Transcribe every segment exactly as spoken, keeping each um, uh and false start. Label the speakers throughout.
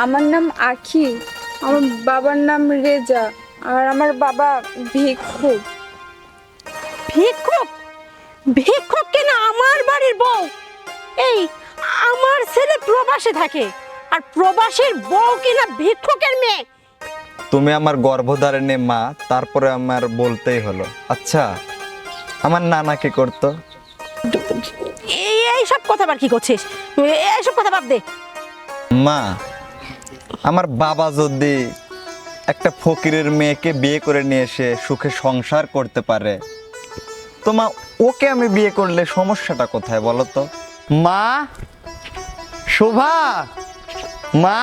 Speaker 1: আমার নাম আখি, আমার বাবার নাম রেজা, আর আমার বাবা ভিক্ষুক।
Speaker 2: ভিক্ষুক? ভিক্ষুক কিনা আমার বাড়ির বউ? এই আমার ছেলে প্রবাসে থাকে, আর প্রবাসীর বউ কিনা ভিক্ষুকের মেয়ে?
Speaker 3: তুমি আমার গর্ভধারিণী মা, তারপরে আমার বলতেই হলো। আচ্ছা, আমার নানা কি করতো?
Speaker 2: এই এইসব কথা আবার কি করছিস? এইসব কথা বাদ দে।
Speaker 3: মা, আমার বাবা যদি একটা ফকিরের মেয়েকে বিয়ে করে নিয়ে এসে সুখে সংসার করতে পারে, তো মা ওকে আমি বিয়ে করলে সমস্যাটা কোথায় বলো তো? মা, শোভা, মা।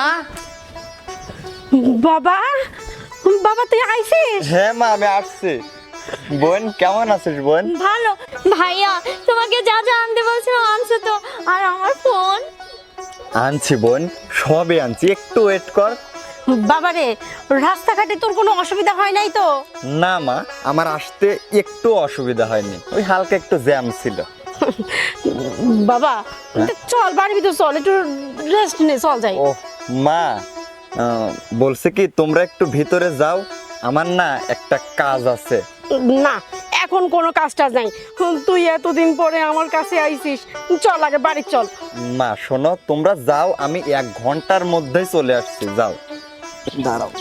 Speaker 2: বাবা, বাবা তুই আইছিস?
Speaker 3: হ্যাঁ মা, আমি আসছি। বোন কেমন আছিস বোন?
Speaker 4: ভালো। ভাইয়া তোমাকে যা যা আনতে বলছিলাম আনছো তো? আর আমার ফোন?
Speaker 3: আনছি বোন, সবই আনছি, একটু ওয়েট কর।
Speaker 2: বাবা রে, রাস্তাঘাটে তোর কোনো অসুবিধা হয় নাই তো?
Speaker 3: না মা, আমার আসতে একটু অসুবিধা হয়নি, ওই হালকা একটু জ্যাম ছিল।
Speaker 2: বাবা চল বাড়ির ভিতর চল, একটু রেস্ট নে, চল যাই।
Speaker 3: ও মা, আহ, বলছে কি তোমরা একটু ভিতরে যাও, আমার না একটা কাজ আছে।
Speaker 2: না, এখন কোনো কাজ টাজ নাই। তুই এতদিন পরে আমার কাছে আইছিস, চল আগে বাড়ি চল।
Speaker 3: মা শোনো, তোমরা যাও, আমি এক ঘন্টার মধ্যেই চলে আসছি, যাও। দাঁড়াও।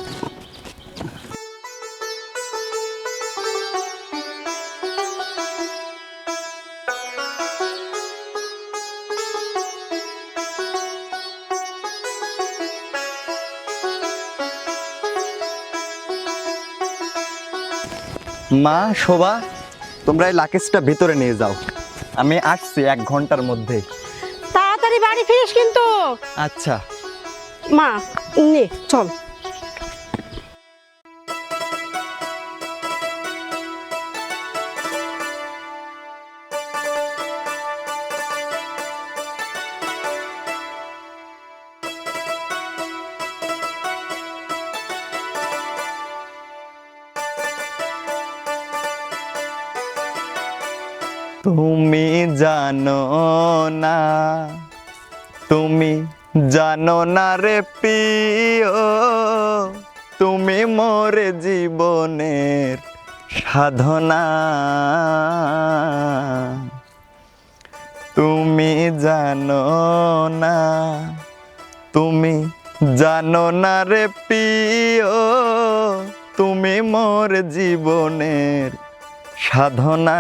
Speaker 3: মা, শোভা, তোমরা এই লাকেজটা ভিতরে নিয়ে যাও, আমি আসছি এক ঘন্টার মধ্যেই।
Speaker 2: তাড়াতাড়ি বাড়ি ফিরিস কিন্তু।
Speaker 3: আচ্ছা
Speaker 2: মা নে চল।
Speaker 3: তুমি জানো না, তুমি জানো না রে প্রিয়, তুমি মোরে জীবনের সাধনা। তুমি জানো না, তুমি জানো না রে প্রিয়, তুমি মোর জীবনের সাধনা।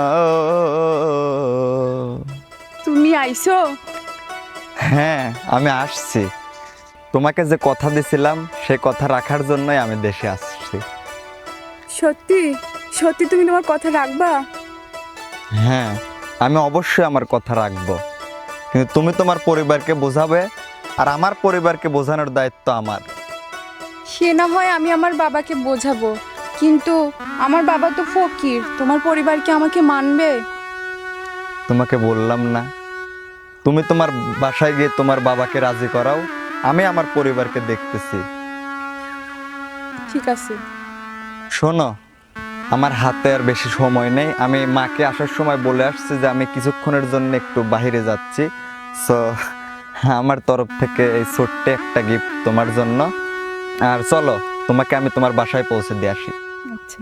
Speaker 1: তুমি আইছো?
Speaker 3: হ্যাঁ, আমি আসছি। তোমাকে যে কথা দিছিলাম সে কথা রাখার জন্যই আমি দেশে আসছি।
Speaker 1: সত্যি সত্যি তুমি তোমার কথা রাখবা?
Speaker 3: হ্যাঁ, আমি অবশ্যই আমার কথা রাখবো, কিন্তু তুমি তোমার পরিবারকে বোঝাবে, আর আমার পরিবারকে বোঝানোর দায়িত্ব আমার।
Speaker 1: সে না হয় আমি আমার বাবাকে বোঝাবো, কিন্তু আমার বাবা তো ফকির, তোমার পরিবার কি আমাকে মানবে?
Speaker 3: তোমাকে বললাম না, তুমি তোমার বাসায় গিয়ে তোমার বাবাকে রাজি করাও, আমি আমার পরিবারকে দেখতেছি।
Speaker 1: ঠিক আছে।
Speaker 3: শোনো, আমার হাতে আর বেশি সময় নেই, আমি মাকে আসার সময় বলে আসছি যে আমি কিছুক্ষণের জন্য একটু বাইরে যাচ্ছি। সো আমার তরফ থেকে এই ছোট্ট একটা গিফট তোমার জন্য। আর চলো, তোমাকে আমি তোমার বাসায় পৌঁছে দিয়ে আসি।
Speaker 1: আচ্ছা।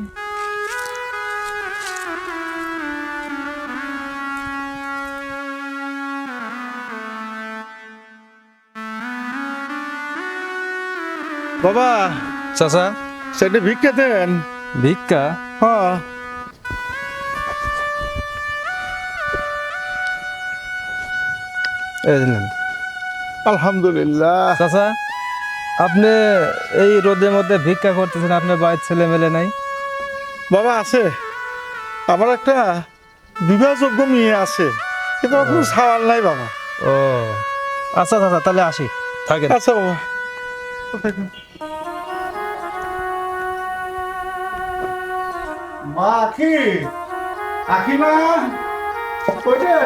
Speaker 5: বাবা,
Speaker 6: চাচা,
Speaker 5: সেটা ভিক্ষা দেন।
Speaker 6: ভিক্ষা?
Speaker 5: হ্যাঁ,
Speaker 6: এই দিলেন।
Speaker 5: আলহামদুলিল্লাহ।
Speaker 6: চাচা, আপনি এই রোদের মধ্যে ভিক্ষা করতেছেন, আপনার বাড়ির ছেলে মেলে নাই?
Speaker 5: বাবা আছে, আমার একটা বিবাহযোগ্য মেয়ে আছে, কিন্তু আমার কোনো সাওয়াল নাই বাবা।
Speaker 6: ও আচ্ছা চাচা, তাহলে আসি, থাকেন।
Speaker 5: আচ্ছা বাবা। মা আখি, আখি মা, কইরে?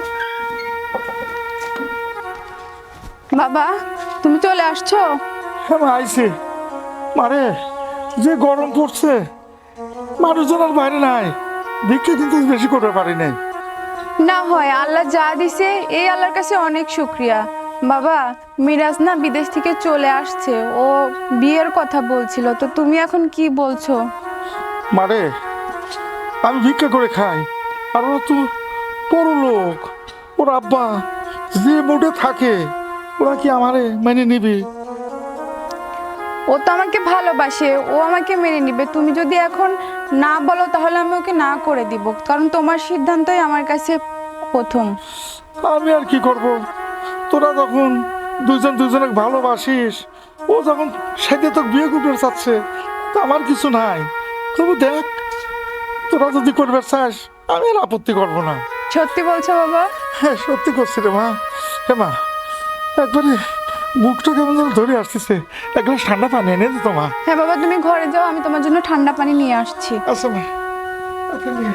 Speaker 1: বাবা, তুমি চলে আসছো?
Speaker 5: হ্যাঁ মা, আইছি। মারে, যে গরম পড়ছে, মানুষজন আর বাইরে নাই, ভিক্ষা কিন্তু বেশি করতে পারি নাই।
Speaker 1: না হয় আল্লাহ যা দিছে এই আল্লাহর কাছে অনেক শুক্রিয়া। বাবা, মিরাজ না বিদেশ থেকে চলে আসছে, ও বিয়ের কথা বলছিল, তো তুমি এখন কি বলছো?
Speaker 5: মারে আমি ভিক্ষা করে খাই, আর ওরা তো বড় লোক, ওর আব্বা যে মোটে থাকে, ওরা কি আমারে মেনে নিবি?
Speaker 1: ও তো আমাকে ভালোবাসে, ও আমাকে মেনে নিবে। তুমি যদি এখন না বলো তাহলে আমি ওকে না করে দিব, কারণ তোমার সিদ্ধান্তই আমার কাছে প্রথম।
Speaker 5: আমি আর কি করব? তোরা যখন দুজন দুজনকে ভালোবাসিস, ও যখন সাথে তো বিয়ে করতে চাচ্ছে, তা আমার কিছু নাই। তবু দেখ, তোরা যদি করবে চাস আমি আর আপত্তি করবো না।
Speaker 1: সত্যি বলছো বাবা?
Speaker 5: হ্যাঁ সত্যি করছি রে মা। হে মা, একবারে বুকটা কেমন যেন ধরে আসতেছে, এক গ্লাস ঠান্ডা পানি এনে দিত মা।
Speaker 1: হ্যাঁ বাবা, তুমি ঘরে যাও, আমি তোমার জন্য ঠান্ডা পানি নিয়ে আসছি।
Speaker 5: আচ্ছা মা, আচ্ছা নিয়ে।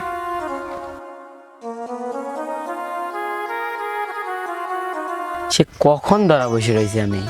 Speaker 7: সে কখন ধরা বসে রয়েছে আমি।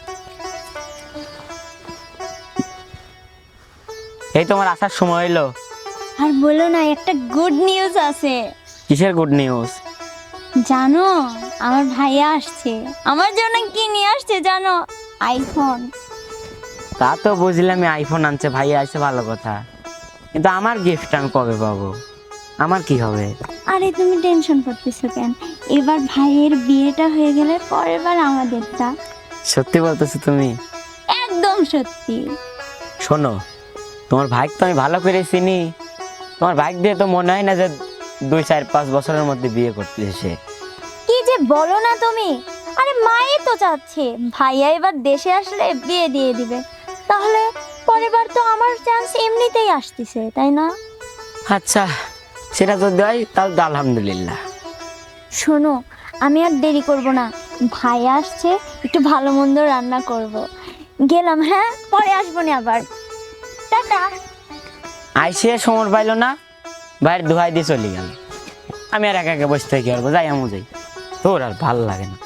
Speaker 7: এই তোমার আসার সময় হইলো।
Speaker 4: আর বলো না, একটা গুড নিউজ আছে।
Speaker 7: কিসের গুড নিউজ?
Speaker 4: জানো, আমার ভাইয়া আসছে। আমার জন্য কি নিয়ে আসছে জানো? আইফোন।
Speaker 7: তা তো বুঝলাম, আইফোন আনছে, ভাই আসছে, ভালো কথা, কিন্তু আমার গিফট আমি কবে পাবো? আমার কি হবে?
Speaker 4: আরে তুমি টেনশন করতেছো কেন? এবার ভাইয়ের বিয়েটা হয়ে গেলে পরের বার আমাদেরটা।
Speaker 7: সত্যি বলতেছো তুমি?
Speaker 4: একদম সত্যি।
Speaker 7: শোনো, তোমার ভাইকে তো আমি ভালো করে চিনি, তোমার ভাইক দিয়ে তো মনে হয় না যে দুই চার পাঁচ বছরের মধ্যে বিয়ে করতেছে সে।
Speaker 4: কি যে বলো না তুমি! আরে মাই তো চাচ্ছে ভাইয়া এবার দেশে আসলে বিয়ে দিয়ে দিবে, তাহলে পরের বার তো আমার চান্স এমনিতেই আসতেছে, তাই না?
Speaker 7: আচ্ছা, সেটা যদি হয় তাহলে তো আলহামদুলিল্লাহ।
Speaker 4: শোনো, আমি আর দেরি করব না, ভাইয়া আসছে, একটু ভালো মন্দ রান্না করব। গেলাম, হ্যাঁ, পরে আসবো না আবার। টাটা।
Speaker 7: আইসে সময় পাইলো না, ভাইয়ের দোহাই দিয়ে চলে গেল। আমি আর একা একা বসে থাকি, আর যাই আমু যাই, তোর আর ভাল লাগে না।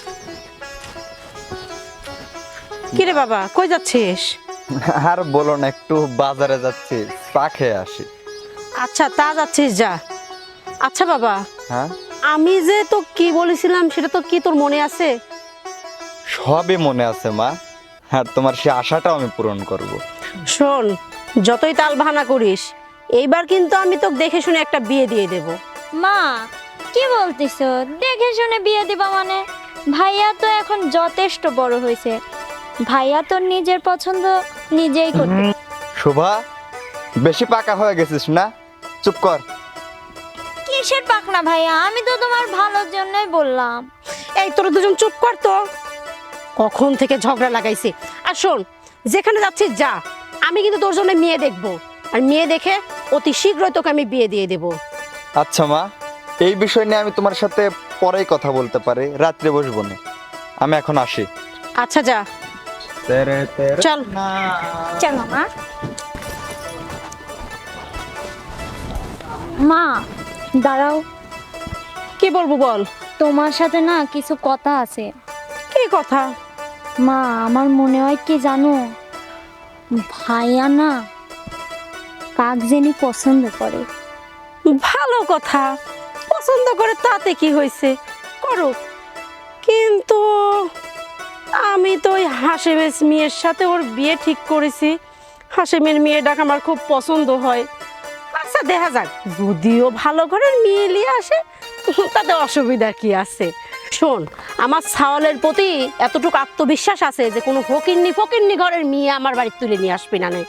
Speaker 2: কিরে বাবা, কই যাচ্ছিস?
Speaker 3: আর বলো না, একটু বাজারে যাচ্ছি, চা খেয়ে আসি।
Speaker 2: আচ্ছা, তা যাচ্ছিস, যা। আচ্ছা বাবা,
Speaker 3: হ্যাঁ,
Speaker 2: আমি যে তো কি বলেছিলাম সেটা তো কি তোর মনে আছে?
Speaker 3: সবই মনে আছে মা, আর তোমার সে আশাটাও আমি পূরণ করব।
Speaker 2: শোন, যতই তাল বাহানা করিস, এইবার কিন্তু আমি তোকে দেখে শুনে একটা বিয়ে দিয়ে দেব।
Speaker 4: মা, কি বলতিছো দেখে শুনে বিয়ে দিবা মানে? ভাইয়া তো এখন যথেষ্ট বড় হয়েছে, ভাইয়া তো নিজের পছন্দ নিজেই করতে।
Speaker 3: শোভা, বেশি পাকা হয়ে গেছিস না, চুপ কর।
Speaker 4: কিসের পাকনা ভাইয়া, আমি তো তোমার ভালোর জন্যই বললাম।
Speaker 2: এই তোরা দুজন চুপ কর তো, কখন থেকে ঝগড়া লাগাইছে। আর শোন, যেখানে যাচ্ছিস যা, আমি কিন্তু তোর জন্য মেয়ে দেখবো, আর মেয়ে দেখে অতি শীঘ্রই তোকে আমি বিয়ে দিয়ে দেবো।
Speaker 3: আচ্ছা মা, এই বিষয় নিয়ে আমি তোমার সাথে পরেই কথা বলতে পারি, রাত্রে বসবো না, আমি এখন আসি।
Speaker 2: আচ্ছা যা, চল।
Speaker 4: চলো মা। মা দাঁড়াও,
Speaker 2: কি বলবো বল।
Speaker 4: তোমার সাথে না কিছু কথা আছে।
Speaker 2: কি কথা?
Speaker 4: মা, আমার মনে হয় কি জানো, ভাইয়া না কাক জেনি পছন্দ করে।
Speaker 2: ভালো কথা, পছন্দ করে তাতে কি হয়েছে, করুক, কিন্তু আমি তো ওই হাসেমের মেয়ের সাথে ওর বিয়ে ঠিক করেছি। হাসেমের মেয়েটাকে আমার খুব পছন্দ হয়। আচ্ছা দেখা যাক, যদিও ভালো ঘরের মেয়ে নিয়ে আসে তাতে অসুবিধা কি আছে। শোন, আমার ছাওয়ালের প্রতি এতটুকু আত্মবিশ্বাস আছে যে কোনো ফকিন্নি ফকিন্নি ঘরের মেয়ে আমার বাড়ি তুলে নিয়ে আসবি না।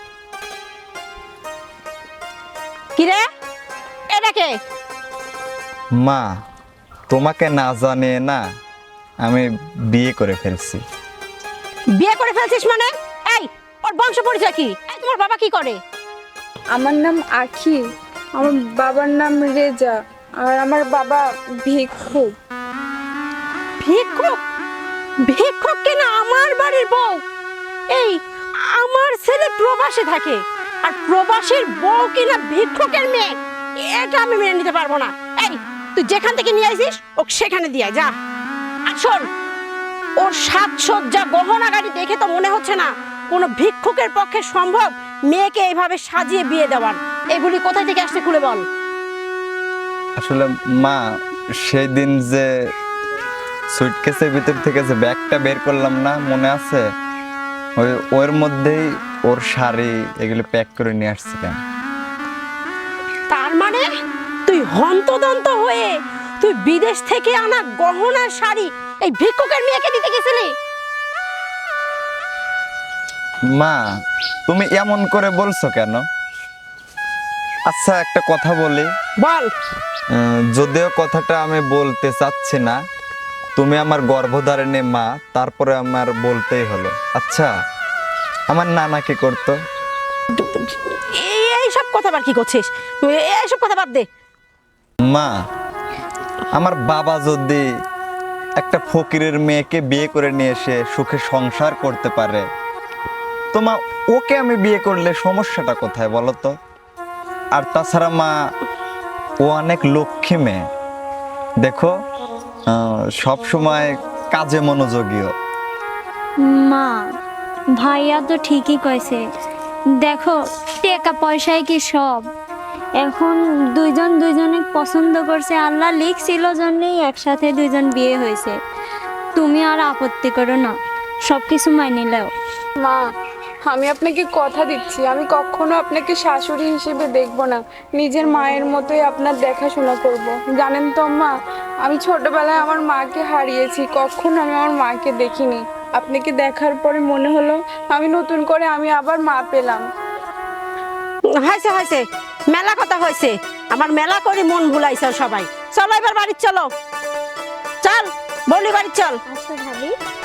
Speaker 2: কিরে, এটা কে?
Speaker 3: মা, তোমাকে না জানে না আমি বিয়ে করে ফেলছি।
Speaker 2: বিয়ে করে ফেলছিস মানে? এই, ওর বংশ পরিচয় কি? এই, তোমার বাবা কি করে?
Speaker 1: আমার নাম আখি, আমার বাবার নাম রেজা, আর আমার বাবা ভিক্ষুক।
Speaker 2: ভিক্ষুক? ভিক্ষুক কিনা আমার বাড়ির বউ? এই, আমার ছেলে প্রবাসে থাকে, আর প্রবাসীর বউ কিনা ভিক্ষুকের মেয়ে? এটা আমি মেনে নিতে পারবো না। এই, তুই যেখান থেকে নিয়ে আসিস ওকে সেখানে দিয়ে যা। আর শোন, ওর সাজসজ্জা গহনা গাড়ি দেখে তো মনে হচ্ছে না কোনো ভিক্ষুকের পক্ষে সম্ভব মেয়েকে এইভাবে সাজিয়ে বিয়ে দেওয়ার। এগুলি কোথায় থেকে আসছে খুলে বল।
Speaker 3: আসলে মা, সেই দিন যে সুটকেসের ভিতর থেকে যে ব্যাগটা বের করলাম না, মনে আছে? ওই ওর মধ্যেই ওর শাড়ি এগুলো প্যাক করে নিয়ে আসছিলাম।
Speaker 2: তার মানে তুই হন্তদন্ত হয়ে তুই বিদেশ থেকে আনা গহনার শাড়ি এই ভিক্ষুকের মেয়েকে দিতে গেছিলি?
Speaker 3: মা, তুমি এমন করে বলছো কেন? আচ্ছা, একটা কথা বলি।
Speaker 2: বল।
Speaker 3: উম, যদিও কথাটা আমি বলতে চাচ্ছি না, তুমি আমার গর্ভধারিণী মা, তারপরে আমার বলতেই হলো। আচ্ছা, আমার নানা কি করতো?
Speaker 2: এই এইসব কথা বার কি করছিস? এইসব কথা বাদ দে।
Speaker 3: মা, আমার বাবা যদি একটা ফকিরের মেয়েকে বিয়ে করে নিয়ে এসে সুখে সংসার করতে পারে, তো মা ওকে আমি বিয়ে করলে সমস্যাটা কোথায় বলো তো? আর তাছাড়া মা, ও অনেক লক্ষ্মী মেয়ে, দেখো সব সময় কাজে মনোযোগীও।
Speaker 4: মা, ভাইয়া তো ঠিকই কইছে। দেখো, টাকা পয়সায় কি সব? এখন দুইজন দুইজনে পছন্দ করছে, আল্লাহ লিখছিল জন্যই একসাথে দুইজন বিয়ে হয়েছে। তুমি আর আপত্তি করো না, সব কিছু মাইনে নাও।
Speaker 1: মা, আমি আপনাকে কথা দিচ্ছি, আমি কখনো আপনাকে শাশুড়ি হিসেবে দেখব না, নিজের মায়ের মতোই আপনার দেখাশোনা করব। জানেন তো মা, আমি ছোটবেলায় আমার মাকে হারিয়েছি, কখনো আমি আমার মাকে দেখিনি। আপনাকে দেখার পরে মনে হলো আমি নতুন করে আমি আবার মা পেলাম।
Speaker 2: হয়েছে হয়েছে, মেলা কথা হয়েছে। আমার মেলা করে মন ভুলাইছে সবাই। চলো এবার বাড়ি চলো, চল বলি বাড়ি চল।
Speaker 4: আচ্ছা ভাবি।